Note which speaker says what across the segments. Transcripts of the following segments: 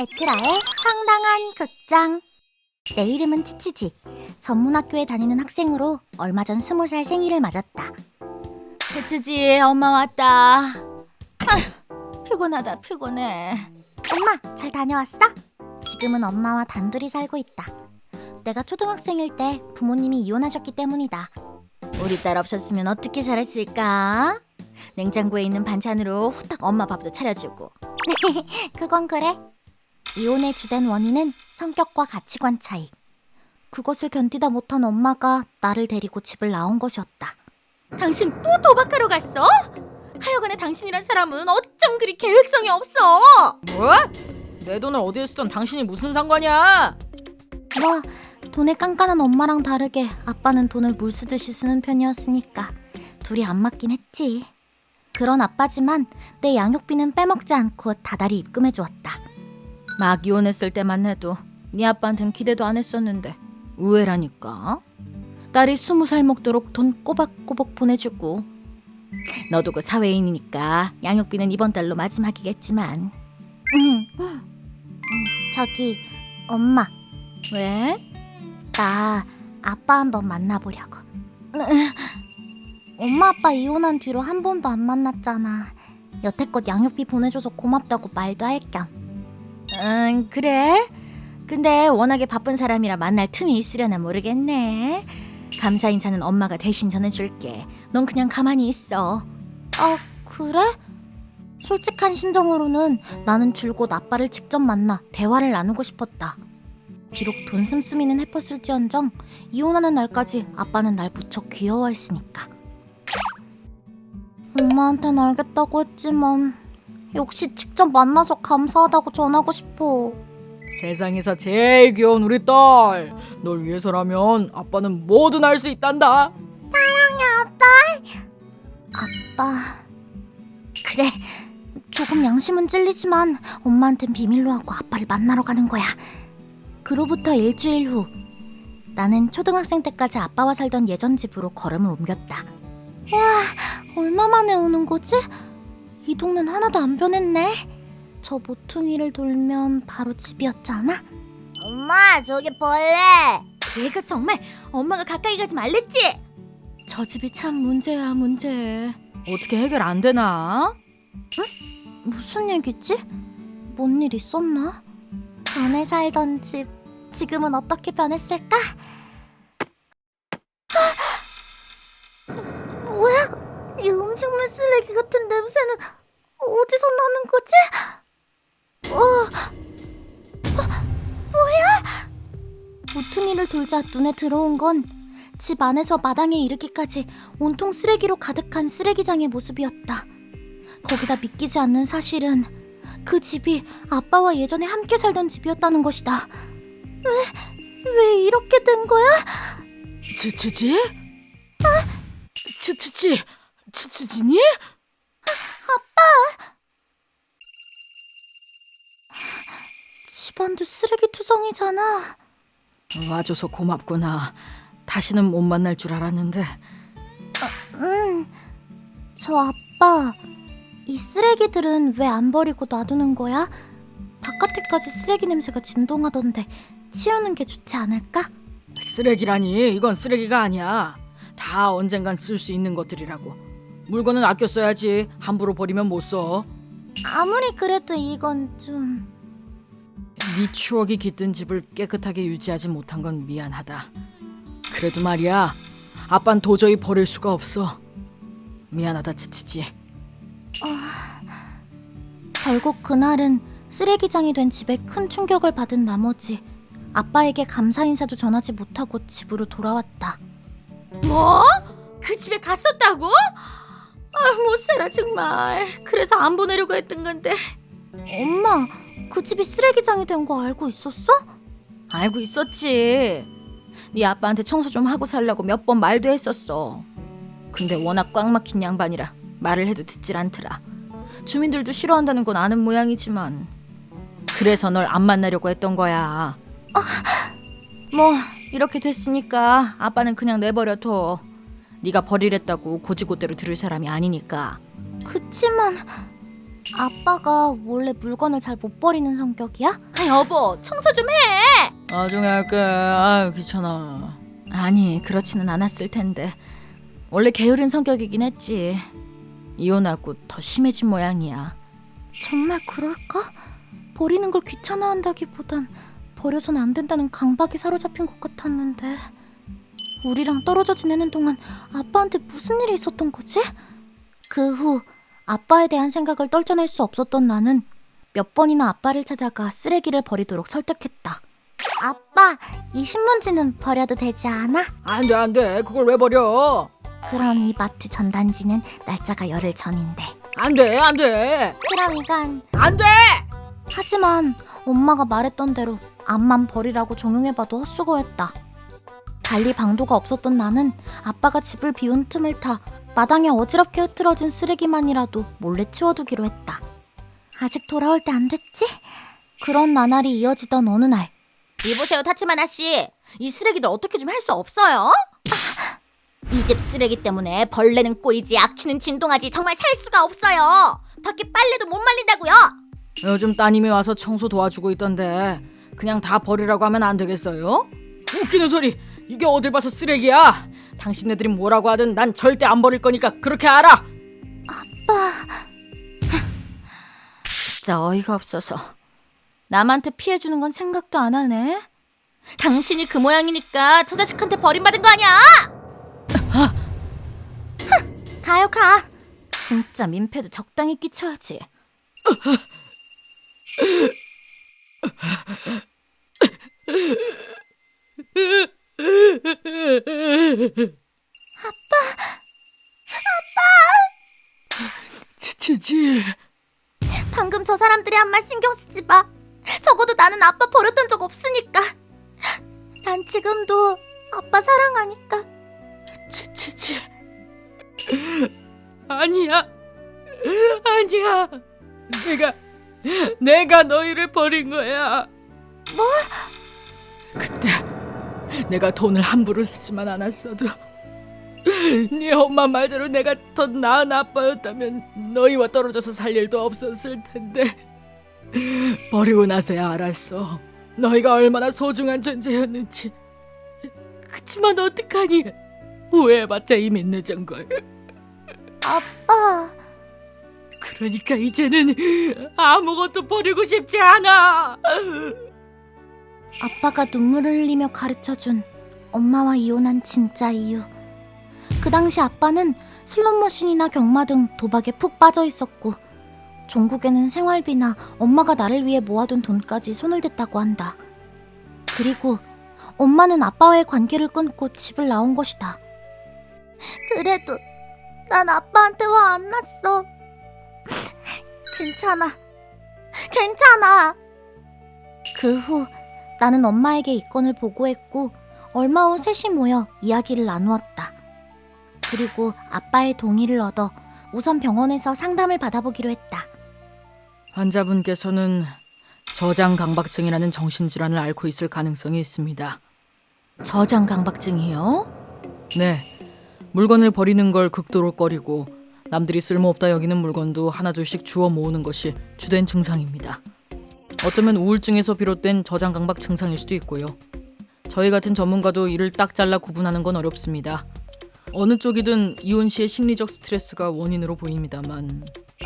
Speaker 1: 에트라의 황당한 극장. 내 이름은 치치지. 전문학교에 다니는 학생으로 얼마 전 20살 생일을 맞았다.
Speaker 2: 치치지, 엄마 왔다. 피곤하다, 피곤해.
Speaker 1: 엄마, 잘 다녀왔어? 지금은 엄마와 단둘이 살고 있다. 내가 초등학생일 때 부모님이 이혼하셨기 때문이다.
Speaker 2: 우리 딸 없었으면 어떻게 살았을까? 냉장고에 있는 반찬으로 후딱 엄마 밥도 차려주고.
Speaker 1: 그건 그래. 이혼의 주된 원인은 성격과 가치관 차이. 그것을 견디다 못한 엄마가 나를 데리고 집을 나온 것이었다.
Speaker 2: 당신 또 도박하러 갔어? 하여간에 당신이란 사람은 어쩜 그리 계획성이 없어? 뭐? 내 돈을 어디에 쓰던 당신이 무슨 상관이야?
Speaker 1: 뭐, 돈에 깐깐한 엄마랑 다르게 아빠는 돈을 물 쓰듯이 쓰는 편이었으니까 둘이 안 맞긴 했지. 그런 아빠지만 내 양육비는 빼먹지 않고 다달이 입금해 주었다.
Speaker 2: 막 이혼했을 때만 해도 네 아빠한텐 기대도 안 했었는데 의외라니까. 딸이 20살 먹도록 돈 꼬박꼬박 보내주고. 너도 그 사회인이니까 양육비는 이번 달로 마지막이겠지만.
Speaker 1: 저기, 엄마,
Speaker 2: 왜?
Speaker 1: 나 아빠 한번 만나보려고. 엄마 아빠 이혼한 뒤로 한 번도 안 만났잖아. 여태껏 양육비 보내줘서 고맙다고 말도 할 겸.
Speaker 2: 그래? 근데 워낙에 바쁜 사람이라 만날 틈이 있으려나 모르겠네. 감사 인사는 엄마가 대신 전해줄게. 넌 그냥 가만히 있어.
Speaker 1: 아, 그래? 솔직한 심정으로는 나는 줄곧 아빠를 직접 만나 대화를 나누고 싶었다. 비록 돈 씀씀이는 해뻤을지언정 이혼하는 날까지 아빠는 날 무척 귀여워했으니까. 엄마한텐 알겠다고 했지만 역시 직접 만나서 감사하다고 전하고 싶어.
Speaker 3: 세상에서 제일 귀여운 우리 딸, 널 위해서라면 아빠는 뭐든 할 수 있단다.
Speaker 1: 아빠. 그래, 조금 양심은 찔리지만 엄마한텐 비밀로 하고 아빠를 만나러 가는 거야. 그로부터 일주일 후, 나는 초등학생 때까지 아빠와 살던 예전 집으로 걸음을 옮겼다. 와, 얼마 만에 오는 거지? 이 동네는 하나도 안 변했네. 저 모퉁이를 돌면 바로 집이었잖아. 엄마, 저기 벌레.
Speaker 2: 얘가 정말 엄마가 가까이 가지 말랬지? 저 집이 참 문제야, 문제.
Speaker 3: 어떻게 해결 안 되나?
Speaker 1: 무슨 얘기지? 뭔 일 있었나? 전에 살던 집, 지금은 어떻게 변했을까? 뭐야? 이 음식물 쓰레기 같은 냄새는 어디서 나는 거지? 뭐야? 모퉁이를 돌자 눈에 들어온 건 집 안에서 마당에 이르기까지 온통 쓰레기로 가득한 쓰레기장의 모습이었다. 거기다 믿기지 않는 사실은 그 집이 아빠와 예전에 함께 살던 집이었다는 것이다. 왜 이렇게 된 거야?
Speaker 3: 치치지? 치치지니?
Speaker 1: 집안도 쓰레기투성이잖아.
Speaker 3: 와줘서 고맙구나. 다시는 못 만날 줄 알았는데.
Speaker 1: 저 아빠, 이 쓰레기들은 왜 안 버리고 놔두는 거야? 바깥에까지 쓰레기 냄새가 진동하던데 치우는 게 좋지 않을까?
Speaker 3: 쓰레기라니, 이건 쓰레기가 아니야. 다 언젠간 쓸 수 있는 것들이라고. 물건은 아껴 써야지. 함부로 버리면 못 써.
Speaker 1: 아무리 그래도 이건 좀...
Speaker 3: 네 추억이 깃든 집을 깨끗하게 유지하지 못한 건 미안하다. 그래도 말이야, 아빤 도저히 버릴 수가 없어. 미안하다, 치치지.
Speaker 1: 결국 그날은 쓰레기장이 된 집에 큰 충격을 받은 나머지 아빠에게 감사 인사도 전하지 못하고 집으로 돌아왔다.
Speaker 2: 뭐? 그 집에 갔었다고? 못 살아 정말. 그래서 안 보내려고 했던 건데.
Speaker 1: 엄마, 그 집이 쓰레기장이 된 거 알고 있었어?
Speaker 2: 알고 있었지. 네 아빠한테 청소 좀 하고 살라고 몇 번 말도 했었어. 근데 워낙 꽉 막힌 양반이라 말을 해도 듣질 않더라. 주민들도 싫어한다는 건 아는 모양이지만. 그래서 널 안 만나려고 했던 거야. 뭐 이렇게 됐으니까 아빠는 그냥 내버려둬. 네가 버리랬다고 고지고대로 들을 사람이 아니니까.
Speaker 1: 그치만 아빠가 원래 물건을 잘 못 버리는 성격이야?
Speaker 2: 아, 여보, 청소 좀 해.
Speaker 3: 나중에 할게. 아유 귀찮아.
Speaker 2: 아니, 그렇지는 않았을 텐데. 원래 게으른 성격이긴 했지. 이혼하고 더 심해진 모양이야.
Speaker 1: 정말 그럴까? 버리는 걸 귀찮아한다기보단 버려선 안 된다는 강박이 사로잡힌 것 같았는데 우리랑 떨어져 지내는 동안 아빠한테 무슨 일이 있었던 거지? 그 후 아빠에 대한 생각을 떨쳐낼 수 없었던 나는 몇 번이나 아빠를 찾아가 쓰레기를 버리도록 설득했다. 아빠, 이 신문지는 버려도 되지 않아?
Speaker 3: 안돼 안돼. 그걸 왜 버려?
Speaker 1: 그럼 이 마트 전단지는 날짜가 열흘 전인데.
Speaker 3: 안돼 안돼
Speaker 1: 그럼 이건
Speaker 3: 안돼.
Speaker 1: 하지만 엄마가 말했던 대로 앞만 버리라고 종용해봐도 헛수고였다. 달리 방도가 없었던 나는 아빠가 집을 비운 틈을 타 마당에 어지럽게 흐트러진 쓰레기만이라도 몰래 치워두기로 했다. 아직 돌아올 때 안 됐지? 그런 나날이 이어지던 어느 날
Speaker 2: 이보세요, 타치마나 씨. 이 쓰레기들 어떻게 좀 할 수 없어요? 이 집 쓰레기 때문에 벌레는 꼬이지 악취는 진동하지 정말 살 수가 없어요. 밖에 빨래도 못 말린다고요.
Speaker 3: 요즘 따님이 와서 청소 도와주고 있던데 그냥 다 버리라고 하면 안 되겠어요? 웃기는 소리. 이게 어딜 봐서 쓰레기야. 당신네들이 뭐라고 하든 난 절대 안 버릴 거니까 그렇게 알아.
Speaker 2: 진짜 어이가 없어서. 남한테 피해주는 건 생각도 안 하네. 당신이 그 모양이니까 저 자식한테 버림받은 거 아니야?
Speaker 1: 가요 가.
Speaker 2: 진짜 민폐도 적당히 끼쳐야지.
Speaker 3: 치치치.
Speaker 1: 방금 저 사람들이 한 말 신경 쓰지 마. 적어도 나는 아빠 버렸던 적 없으니까. 난 지금도 아빠 사랑하니까.
Speaker 3: 치치치. 아니야. 아니야. 내가 너희를 버린 거야.
Speaker 1: 뭐?
Speaker 3: 그때 내가 돈을 함부로 쓰지만 않았어도 네 엄마 말대로 내가 더 나은 아빠였다면 너희와 떨어져서 살 일도 없었을 텐데 버리고 나서야 알았어. 너희가 얼마나 소중한 존재였는지. 그치만 어떡하니. 후회해봤자 이미 늦은걸.
Speaker 1: 아빠.
Speaker 3: 그러니까 이제는 아무것도 버리고 싶지 않아.
Speaker 1: 아빠가 눈물을 흘리며 가르쳐준 엄마와 이혼한 진짜 이유. 그 당시 아빠는 슬롯머신이나 경마 등 도박에 푹 빠져 있었고 종국에는 생활비나 엄마가 나를 위해 모아둔 돈까지 손을 댔다고 한다. 그리고 엄마는 아빠와의 관계를 끊고 집을 나온 것이다. 그래도 난 아빠한테 화 안 났어. 괜찮아. 괜찮아. 그 후 나는 엄마에게 이 건을 보고했고 얼마 후 셋이 모여 이야기를 나누었다. 그리고 아빠의 동의를 얻어 우선 병원에서 상담을 받아보기로 했다.
Speaker 3: 환자분께서는 저장강박증이라는 정신질환을 앓고 있을 가능성이 있습니다.
Speaker 2: 저장강박증이요?
Speaker 3: 네, 물건을 버리는 걸 극도로 꺼리고 남들이 쓸모없다 여기는 물건도 하나둘씩 주워 모으는 것이 주된 증상입니다. 어쩌면 우울증에서 비롯된 저장강박 증상일 수도 있고요. 저희 같은 전문가도 이를 딱 잘라 구분하는 건 어렵습니다. 어느 쪽이든 이혼 시의 심리적 스트레스가 원인으로 보입니다만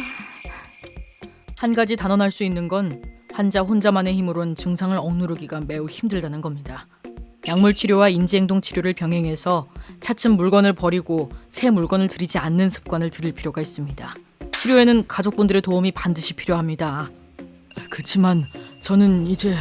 Speaker 3: 한 가지 단언할 수 있는 건 환자 혼자만의 힘으론 증상을 억누르기가 매우 힘들다는 겁니다. 약물 치료와 인지행동 치료를 병행해서 차츰 물건을 버리고 새 물건을 들이지 않는 습관을 들일 필요가 있습니다. 치료에는 가족분들의 도움이 반드시 필요합니다. 그치만 저는 이제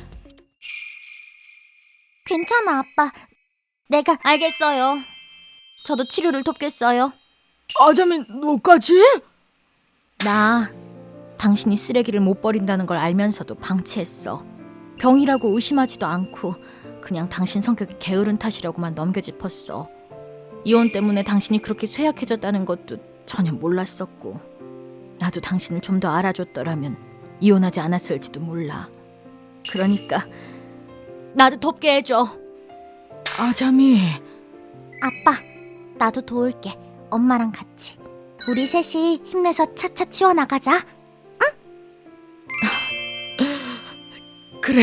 Speaker 1: 괜찮아, 아빠. 내가
Speaker 2: 알겠어요. 저도 치료를 돕겠어요.
Speaker 3: 아자민 너까지?
Speaker 2: 나 당신이 쓰레기를 못 버린다는 걸 알면서도 방치했어. 병이라고 의심하지도 않고 그냥 당신 성격이 게으른 탓이라고만 넘겨짚었어. 이혼 때문에 당신이 그렇게 쇠약해졌다는 것도 전혀 몰랐었고 나도 당신을 좀 더 알아줬더라면 이혼하지 않았을지도 몰라. 그러니까 나도 돕게 해줘.
Speaker 3: 아자미.
Speaker 1: 아빠, 나도 도울게. 엄마랑 같이. 우리 셋이 힘내서 차차 치워나가자.
Speaker 3: 그래.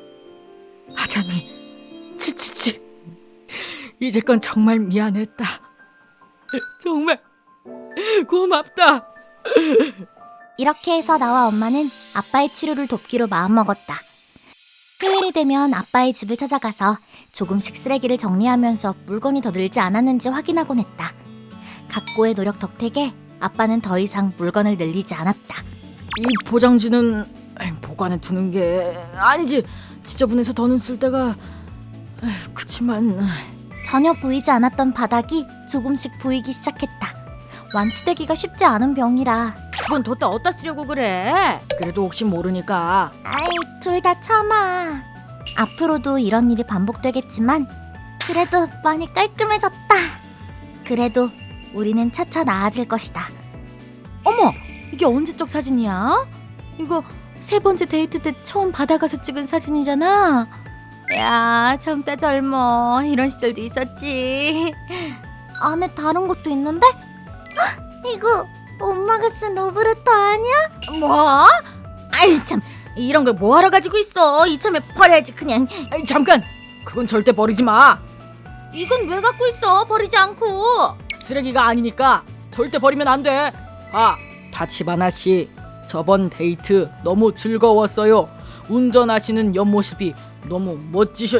Speaker 3: 아자미, 치치치. 이제건 정말 미안했다. 정말 고맙다.
Speaker 1: 이렇게 해서 나와 엄마는 아빠의 치료를 돕기로 마음먹었다. 휴일이 되면 아빠의 집을 찾아가서 조금씩 쓰레기를 정리하면서 물건이 더 늘지 않았는지 확인하곤 했다. 각고의 노력 덕택에 아빠는 더 이상 물건을 늘리지 않았다.
Speaker 3: 이 포장지는 보관해 두는 게 아니지. 지저분해서 더는 쓸 데가. 그치만
Speaker 1: 전혀 보이지 않았던 바닥이 조금씩 보이기 시작했다. 완치되기가 쉽지 않은 병이라.
Speaker 2: 그건 뒀다 어디다 쓰려고 그래?
Speaker 3: 그래도 혹시 모르니까.
Speaker 1: 아이, 둘 다 참아. 앞으로도 이런 일이 반복되겠지만 그래도 많이 깔끔해졌다. 그래도 우리는 차차 나아질 것이다.
Speaker 2: 어머, 이게 언제적 사진이야? 이거 3번째 데이트 때 처음 바다 가서 찍은 사진이잖아. 야, 젊다 젊어. 이런 시절도 있었지.
Speaker 1: 안에 다른 것도 있는데? 헉, 이거 엄마가 쓴 러브레터 아니야?
Speaker 2: 뭐? 아이 참, 이런 걸 뭐하러 가지고 있어. 이참에 버려야지 그냥.
Speaker 3: 잠깐. 그건 절대 버리지 마.
Speaker 2: 이건 왜 갖고 있어? 버리지 않고.
Speaker 3: 쓰레기가 아니니까 절대 버리면 안 돼. 아, 다치바나 씨. 저번 데이트 너무 즐거웠어요. 운전하시는 옆모습이 너무 멋지셔.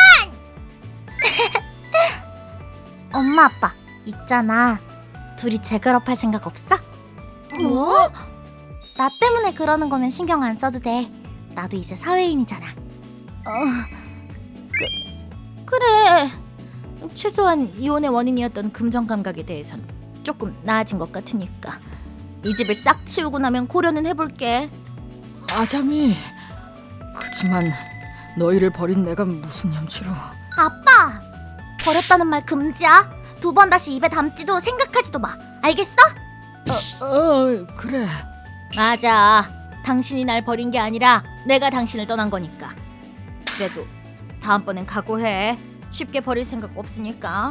Speaker 1: 엄마 아빠 있잖아. 둘이 재결합할 생각 없어?
Speaker 2: 뭐?
Speaker 1: 나 때문에 그러는 거면 신경 안 써도 돼. 나도 이제 사회인이잖아.
Speaker 2: 그래. 최소한 이혼의 원인이었던 금전 감각에 대해선 조금 나아진 것 같으니까 이 집을 싹 치우고 나면 고려는 해볼게.
Speaker 3: 아자미. 그치만 너희를 버린 내가 무슨 염치로.
Speaker 1: 아빠! 버렸다는 말 금지야. 2번 다시 입에 담지도 생각하지도 마. 알겠어?
Speaker 3: 그래.
Speaker 2: 맞아. 당신이 날 버린 게 아니라 내가 당신을 떠난 거니까. 그래도 다음번엔 각오해. 쉽게 버릴 생각 없으니까.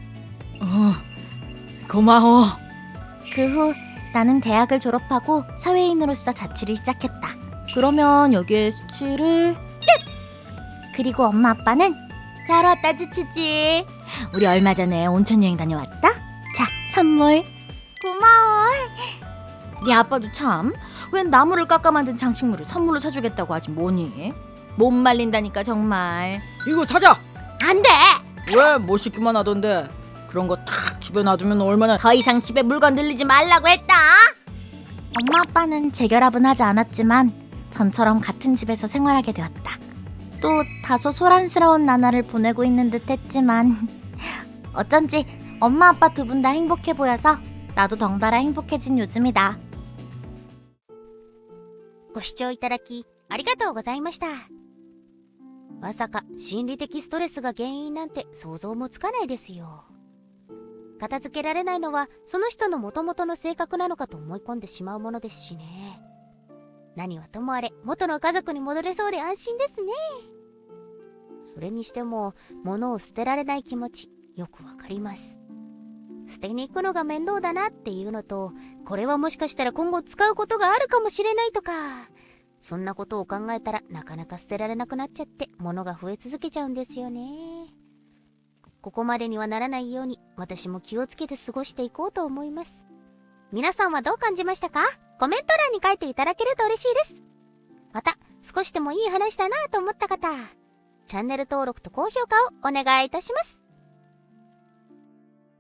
Speaker 3: 고마워.
Speaker 1: 그 후 나는 대학을 졸업하고 사회인으로서 자취를 시작했다.
Speaker 2: 그러면 여기에 수치를.
Speaker 1: 그리고 엄마 아빠는
Speaker 2: 잘 왔다 주치지. 우리 얼마 전에 온천 여행 다녀왔다. 자, 선물.
Speaker 1: 고마워.
Speaker 2: 네 아빠도 참. 웬 나무를 깎아 만든 장식물을 선물로 사주겠다고 하지 뭐니? 못 말린다니까 정말.
Speaker 3: 이거 사자.
Speaker 2: 안 돼.
Speaker 3: 왜 못 씻기만 하던데. 그런 거 딱 집에 놔두면 얼마나.
Speaker 2: 더 이상 집에 물건 늘리지 말라고 했다.
Speaker 1: 엄마 아빠는 재결합은 하지 않았지만 전처럼 같은 집에서 생활하게 되었다. 또 다소 소란스러운 나날을 보내고 있는 듯 했지만 어쩐지 엄마 아빠 2분 다 행복해 보여서 나도 덩달아 행복해진 요즘이다.
Speaker 4: ご視聴いただきありがとうございました。まさか心理的ストレスが原因なんて想像もつかないですよ。片付けられないのはその人の元々の性格なのかと思い込んでしまうものですしね。何はともあれ元の家族に戻れそうで安心ですね。それにしても物を捨てられない気持ちよくわかります。捨てに行くのが面倒だなっていうのと、これはもしかしたら今後使うことがあるかもしれないとか、そんなことを考えたらなかなか捨てられなくなっちゃって物が増え続けちゃうんですよね。ここまでにはならないように私も気をつけて過ごしていこうと思います。皆さんはどう感じましたか？コメント欄に書いていただけると嬉しいです。また少しでもいい話だなと思った方、チャンネル登録と高評価をお願いいたします。